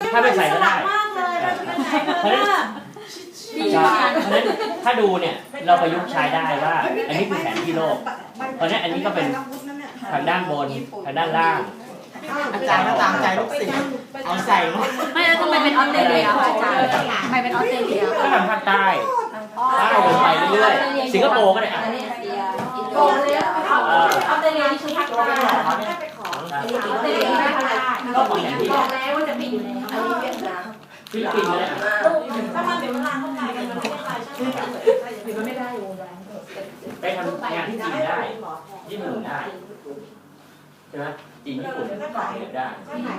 ถ้าไม่ใส่ก็ได้เพราะฉะนั้นถ้าดูเนี่ยเราประยุกต์ใช้ได้ว่าอันนี้คือแผนที่โลกเพราะฉะนั้นอันนี้ก็เป็นทางด้านบนทางด้านล่างอาจารย์ตามใจลูกศิษย์เอาใส่ไม่แล้วทำไมเป็นออสเตรเลียอาจารย์ทำไมเป็นออสเตรเลียก็ทางภาคใต้ลงไปเรื่อยๆสิงคโปร์ก็ได้ออสเตรเลียนี่คือภาคใต้ออสเตรเลียไม่ได้เราบอกแล้วว่าจะไปอยู่ในเวียดนามฟิลิปปินส์ก็ได้ถ้ามันเดี๋ยวมันลามเข้าไปกันมันไม่ได้ใช่ไหมมันไม่ได้ไปทำงานที่จีนได้ญี่ปุ่นได้ใช่ไหมจีนญี่ปุ่นได้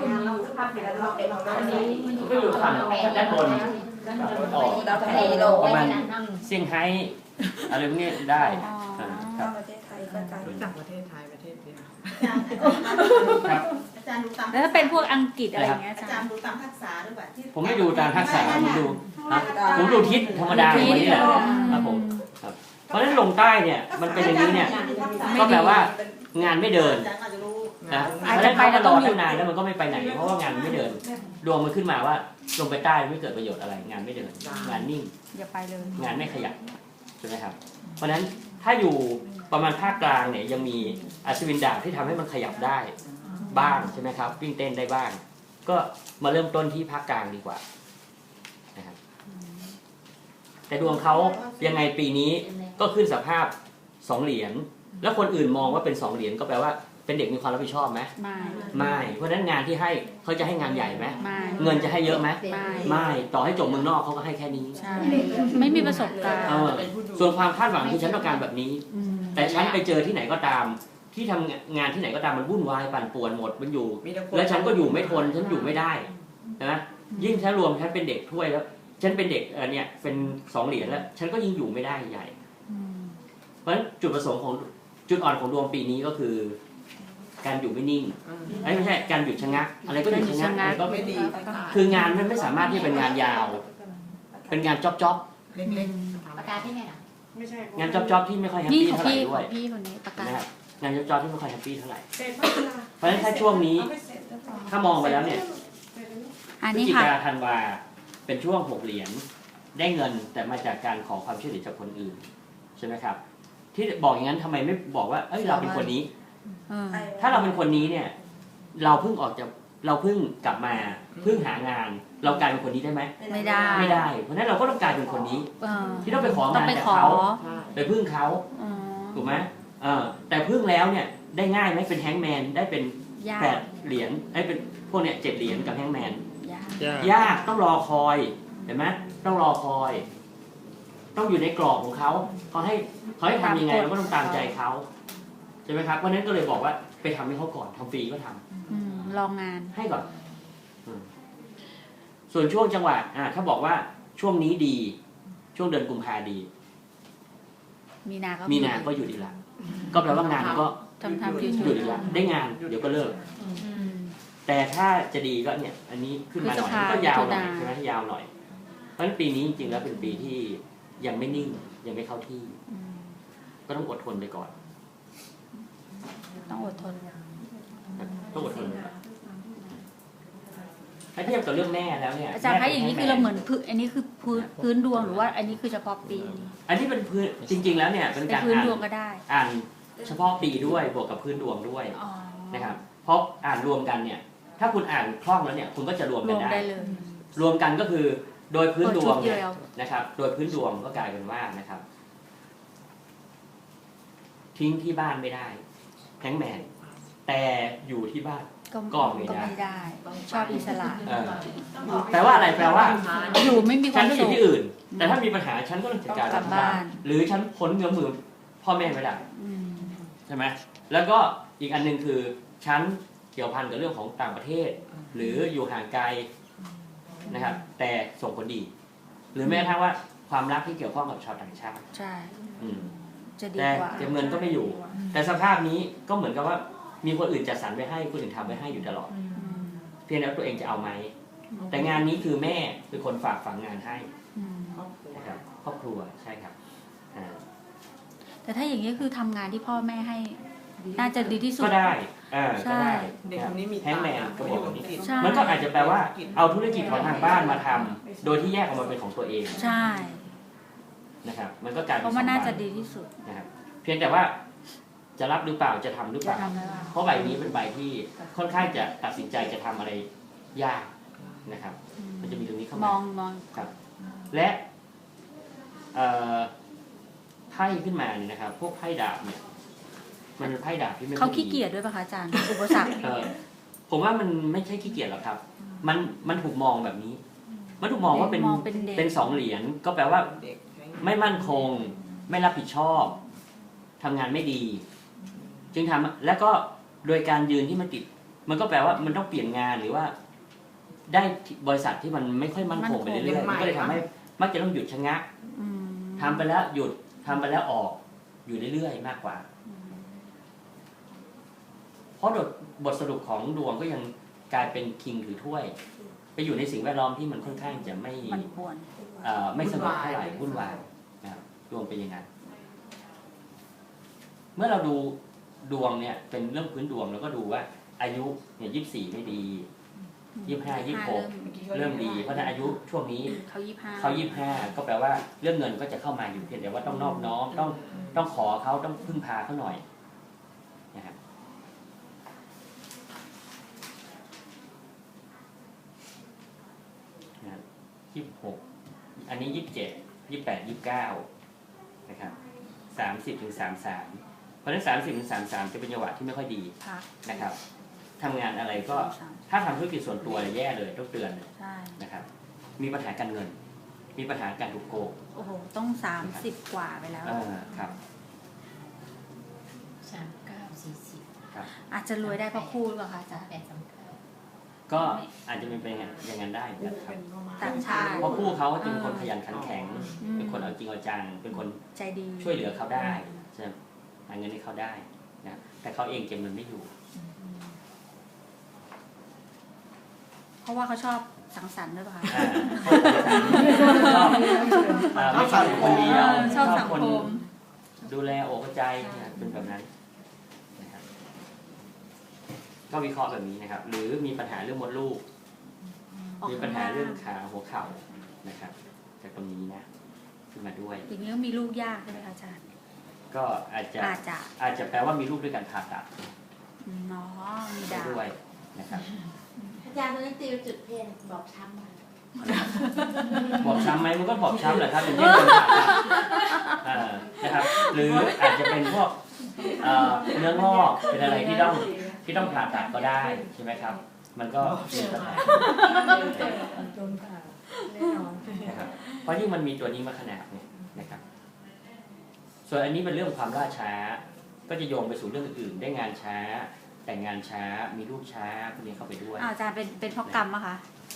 ก็อยู่ฝั่งด้านบนออกประมาณเซี่ยงไฮ้อะไรพวกนี้ได้ครับประเทศไทยก็การจากประเทศไทยประเทศเดียวครับอาจารย์ดูตามแล้วถ้าเป็นพวกอังกฤษอะไรเงี้ยอาจารย์ดูตามทักษะหรือเปล่าที่ผมไม่ดูตามทักษะผมดูทิศธรรมดาอย่างนี้แหละครับผมครับเพราะฉะนั้นลงใต้เนี่ยมันเป็นอย่างนี้เนี่ยก็แปลว่างานไม่เดินนะเพราะฉะนั้นเขาก็รอตั้งนานแล้วมันก็ไม่ไปไหนเพราะว่างานไม่เดินดวงมันขึ้นมาว่าลงไปใต้ไม่เกิดประโยชน์อะไรงานไม่เดินงานนิ่งอย่าไปเลยงานไม่ขยับใช่ไหมครับเพราะฉะนั้นถ้าอยู่ประมาณภาคกลางเนี่ยยังมีอัศวินดาบที่ทำให้มันขยับได้บ้างใช่ไหมครับวิ่งเต้นได้บ้างก็มาเริ่มต้นที่ภาคกลางดีกว่านะครับแต่ดวงเขายังไงปีนี้ก็ขึ้นสภาพ2เหรียญแล้วคนอื่นมองว่าเป็น2เหรียญก็แปลว่าเป็นเด็กมีความรับผิดชอบไหมไม่เพราะฉะนั้นงานที่ให้เขาจะให้งานใหญ่ไหมเงินจะให้เยอะไหมไม่ต่อให้จบเมืองนอกเขาก็ให้แค่นี้ไม่มีประสบการณ์ส่วนความคาดหวังคือฉันต้องการแบบนี้แต่ฉันไปเจอที่ไหนก็ตามที่ทำงานที่ไหนก็ตามมันวุ่นวายปั่นป่วนหมดมันอยู่แล้วฉันก็อยู่ไม่ทนฉันอยู่ไม่ได้นะยิ่งฉันรวมฉันเป็นเด็กถ้วยแล้วฉันเป็นเด็กเนี่ยเป็น2เหรียญแล้วฉันก็ยิ่งอยู่ไม่ได้ใหญ่เพราะฉะนั้นจุดประสงค์ของจุดอ่อนของดวงปีนี้ก็คือการอยู่ไม่นิ่งไม่ใช่การหยุดชะงักอะไรก็หยุดชะงักอะไรก็ไม่ดีคืองานมันไม่สามารถที่เป็นงานยาวเป็นงานจ๊อบเล็กๆประกาศที่ไหนนะงานจ๊อบที่ไม่ค่อยแฮปปี้เท่าไหร่ด้วยพี่คนนี้ประกาศงานจ๊อบที่ไม่ค่อยแฮปปี้เท่าไหร่เพราะฉะนั้นถ้าช่วงนี้ถ้ามองไปแล้วเนี่ยพฤศจิกาธันวาเป็นช่วง6เหรียญได้เงินแต่มาจากการขอความช่วยเหลือจากคนอื่นใช่ไหมครับที่บอกอย่างนั้นทำไมไม่บอกว่าเอ้ยเราเป็นคนนี้ถ้าเราเป็นคนนี้เนี่ยเราเพิ่งกลับมาเพิ่งหางานเรากลายเป็นคนนี้ได้ไหมไม่ได้เพราะฉะนั้นเราก็ต้องกลายเป็นคนนี้ที่ต้องไปของานจากเขาไปพึ่งเขาถูกไหมแต่พึ่งแล้วเนี่ยได้ง่ายไหมเป็นแฮงแมนได้เป็น8เหรียญไอ้เป็นพวกเนี่ย7เหรียญกับแฮงแมนยากต้องรอคอยเห็นไหมต้องรอคอยต้องอยู่ในกรอบของเขาให้ทำยังไงเราก็ต้องตามใจเขาใช่ไหมครับเพราะนั้นก็เลยบอกว่าไปทำให้เขาก่อนทำฟรีก็ทำลองงานให้ก่อนส่วนช่วงจังหวะถ้าบอกว่าช่วงนี้ดีช่วงเดือนกุมภาดีมีนาก็หยุดอีกแล้วก็แปลว่างานก็หยุดอีกแล้วได้งานเดี๋ยวก็เลิกแต่ถ้าจะดีก็เนี่ยอันนี้ขึ้นมาหน่อยก็ยาวหน่อยใช่ไหมยาวหน่อยเพราะฉะนั้นปีนี้จริงๆแล้วเป็นปีที่ยังไม่นิ่งยังไม่เข้าที่ก็ต้องอดทนไปก่อนต้องอดทนถ้าเทียบกับเรื่องแม่แล้วเนี่ยอาจารย์คะอย่างนี้คือเราเหมือนอันนี้คือพื้นดวงหรือว่าอันนี้คือเฉพาะปีอันนี้เป็นพื้นจริงๆแล้วเนี่ยเป็นการพื้นดวงก็ได้อ่านเฉพาะปีด้วยบวกกับพื้นดวงด้วยนะครับเพราะอ่านรวมกันเนี่ยถ้าคุณอ่านคล่องแล้วเนี่ยคุณก็จะรวมกันได้รวมกันก็คือโดยพื้นดวงนะครับโดยพื้นดวงก็กลายเป็นว่านะครับทิ้งที่บ้านไม่ได้แฮงแมนแต่อยู่ที่บ้านก็ไม่ได้ชอบอิสระแปลว่าอะไรแปลว่าอยู่ไม่มีความสุขฉันอยู่ที่อื่นแต่ถ้ามีปัญหาฉันก็ต้องจัดการกับบ้านหรือฉันพ้นเงื้อมือพ่อแม่ไม่ได้ใช่ไหมแล้วก็อีกอันนึงคือฉันเกี่ยวพันกับเรื่องของต่างประเทศหรืออยู่ห่างไกลนะครับแต่ส่งผลดีหรือแม้กระทั่งว่าความรักที่เกี่ยวข้องกับชาวต่างชาติใช่แต่เก็บเงินก็ไม่อยู่แต่สภาพนี้ก็เหมือนกับว่ามีคนอื่นจัดสรรไว้ให้คนอื่นทำไว้ให้อยู่ตลอดเพียงแล้วตัวเองจะเอาไหมแต่งานนี้คือแม่เป็นคนฝากฝังงานให้นะครับครอบครัวใช่ครับแต่ถ้าอย่างนี้คือทำงานที่พ่อแม่ให้น่าจะดีที่สุดก็ได้ก็ได้เด็กคนนี้มีแฮงแมนก็บอกแบบนี้ใช่มันก็อาจจะแปลว่าเอาธุรกิจของทางบ้านมาทำโดยที่แยกออกมาเป็นของตัวเองใช่นะครับมันก็กลายเป็นเพราะมันน่าจะดีที่สุดนะครับเพียงแต่ว่าจะรับหรือเปล่าจะทำหรือเปจะล่าทำได้ว่าเพราะใบนี้เป็นใบที่ค่อนข้างจะตัดสินใจจะทำอะไรยากนะครับ มันจะมีตรงนี้เข้าม มาองครับและไพ่ขึ้นมาเนี่ยนะครับ พวกไพ่ดาบเนี่ยมันเป็นไพ่ดาบที่ไม่เขาค่อยขี้ดีเกียจด้วยป่ะคะอาจารย์ อุปสรรคผมว่ามันไม่ใช่ขี้เกียจหรอกครับ มันถูกมองแบบนี้ มันถูกมองว่าเป็นมองเป็นเด็กเป็น2เหรียญก็แปลว่าเด็กไม่มั่นคง ไม่รับผิดชอบทำงานไม่ดี จึงทำแล้วก็โดยการยืนที่มันติด มันก็แปลว่ามันต้องเปลี่ยนงานหรือว่า ได้บริษัทที่มันไม่ค่อยมั่นคงไปเรื่อยๆมันก็เลยทำให้มักจะต้องหยุดชะงักอืมทำไปแล้วหยุดทำไปแล้วออกอยู่เรื่อยๆมากกว่า เพราะบทสรุปของดวงก็ยังกลายเป็นคิงถือถ้วย ไปอยู่ในสิ่งแวดล้อมที่มันค่อนข้างจะไม่มันป่วนไม่สงบเท่าไหร่วุ่นวายนะครับดวงเป็นอย่างนั้นเมื่อเราดูดวงเนี่ยเป็นเรื่องพื้นดวงเราก็ดูว่าอายุเนี่ย24ไม่ดี25 26เริ่มดีเพราะฉะนั้นอายุช่วงนี้เขา25 เขา25ก็แปลว่าเรื่องเงินก็จะเข้ามาอยู่เพียงแต่ว่าต้องนอบน้อมต้องขอเขาต้องพึ่งพาเขาหน่อยนะครับ26อันนี้27 28 29นะครับ30 ถึง 33เพราะฉะนั้น30 ถึง 33จะเป็นจังหวะที่ไม่ค่อยดีพักนะครับทำงานอะไรก็ถ้าทำธุรกิจส่วนตัวเนี่ยแย่เลยต้องเตือนเลยใช่นะครับมีปัญหาการเงิน มีปัญหาการถูกโกงโอ้โห ต้อง30 กว่าไปแล้วครับ 39 40 ครับอาจจะรวยได้เพราะคู่หรือเปล่าคะอาจารย์ 38 39 ก็อาจจะเป็นอย่างนั้นได้เหมือนกันครับต่างชาติเพราะคู่เขาจะเป็นคนขยันขันแข็งอืมเป็นคนเอาจริงเอาจังเป็นคนใจดีช่วยเหลือเขาได้จะหาเงินให้เขาได้นะแต่เขาเองเก็บเงินไม่อยู่เพราะว่าเขาชอบสังสรรค์ด้วยป่ะคะไม่ชอบคนเดียวชอบสังคนคมดูแลโอกใจนะเป็นแบบนั้นนะครับก็วิเคราะห์แบบนี้นะครับ หรือมีปัญหาเรื่องมดลูก มีปัญหาเรื่องขาหัวเข่านะครับจากตรงนี้นะขึ้นมาด้วยอย่างนี้ก็มีลูกยากใช่ไหมคะอาจารย์ก็อาจจะแปลว่ามีลูกด้วยกันผ่าตัดเนาะมีดาวด้วยนะครับอาจารย์ตอนนี้ตีจุดเพนบอกช้ำมาบอบช้ำไหมมันก็บอบช้ำแหละครับเป็นเรื่องการผ่าตัดนะครับ หรืออาจจะเป็นพวกเนื้องอกเป็นอะไรที่ต้องผ่าตัดก็ได้ใช่ไหมครับ มันก็มีปัญหานะครับเพราะยิ่งมันมีตัวนี้มาขนาดเนี่ยนะครับ ส่วนอันนี้เป็นเรื่องความล่าช้า ก็จะโยงไปสู่เรื่องอื่นๆได้งานช้า แต่งงานช้ามีลูกช้าพวกนี้เข้าไปด้วยอาจารย์เป็นเพราะกรรมอะคะ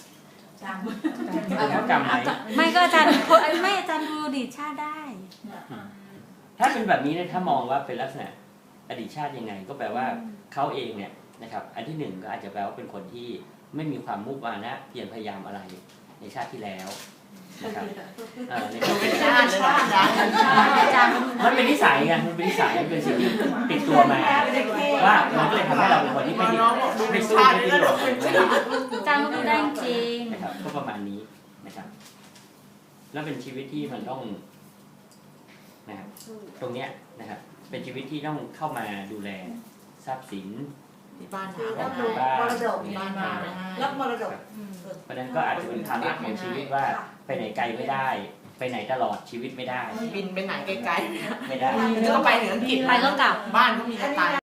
เป็นเพราะกรรมไหมไม่ก็อาจารย์ไม่อาจารย์ดูอดีตชาติได้ถ้าเป็นแบบนี้เนี่ยถ้ามองว่าเป็นลักษณะอดีตชาติยังไง ก็แปลว่าเขาเองเนี่ยนะครับอันที่หนึ่งก็อาจจะแปลว่าเป็นคนที่ไม่มีความมุมานะเพียรพยายามอะไรในชาติที่แล้วนะครับในชาติที่ชาแล้วติเลยนะอาจารย์อาจารย์มันเป็นนิสัยไงมันเป็นนิสัยมันเป็นสิ่งที่ติดตัวมาว่ามันก็เลยทำให้เราเป็นคนที่ไม่น้องบอกดูไม่เป็นสู้ชาติไม่เลยดิ้นรนะนอาจารย์ก็ดูได้จริงนะครับก็ประมาณนี้นะครับ แล้วเป็นชีวิตที่มันต้องนะครับตรงเนี้ยนะครับเป็นชีวิตที่ต้องเข้ามาดูแลทรัพย์สินที่บ้านคือถามต้องนะดูมรดกที่บ้านถามนะรับมรดกเพราะฉะนั้นก็อาจจะเป็นภาระของชีวิตว่าไปไหนไกลไม่ได้ ไปไหนตลอดชีวิตไม่ได้บินไปไหนไกลๆไม่ได้จะต้องไปถึงอังกฤษไปก็กลับบ้านก็มีกระต่าย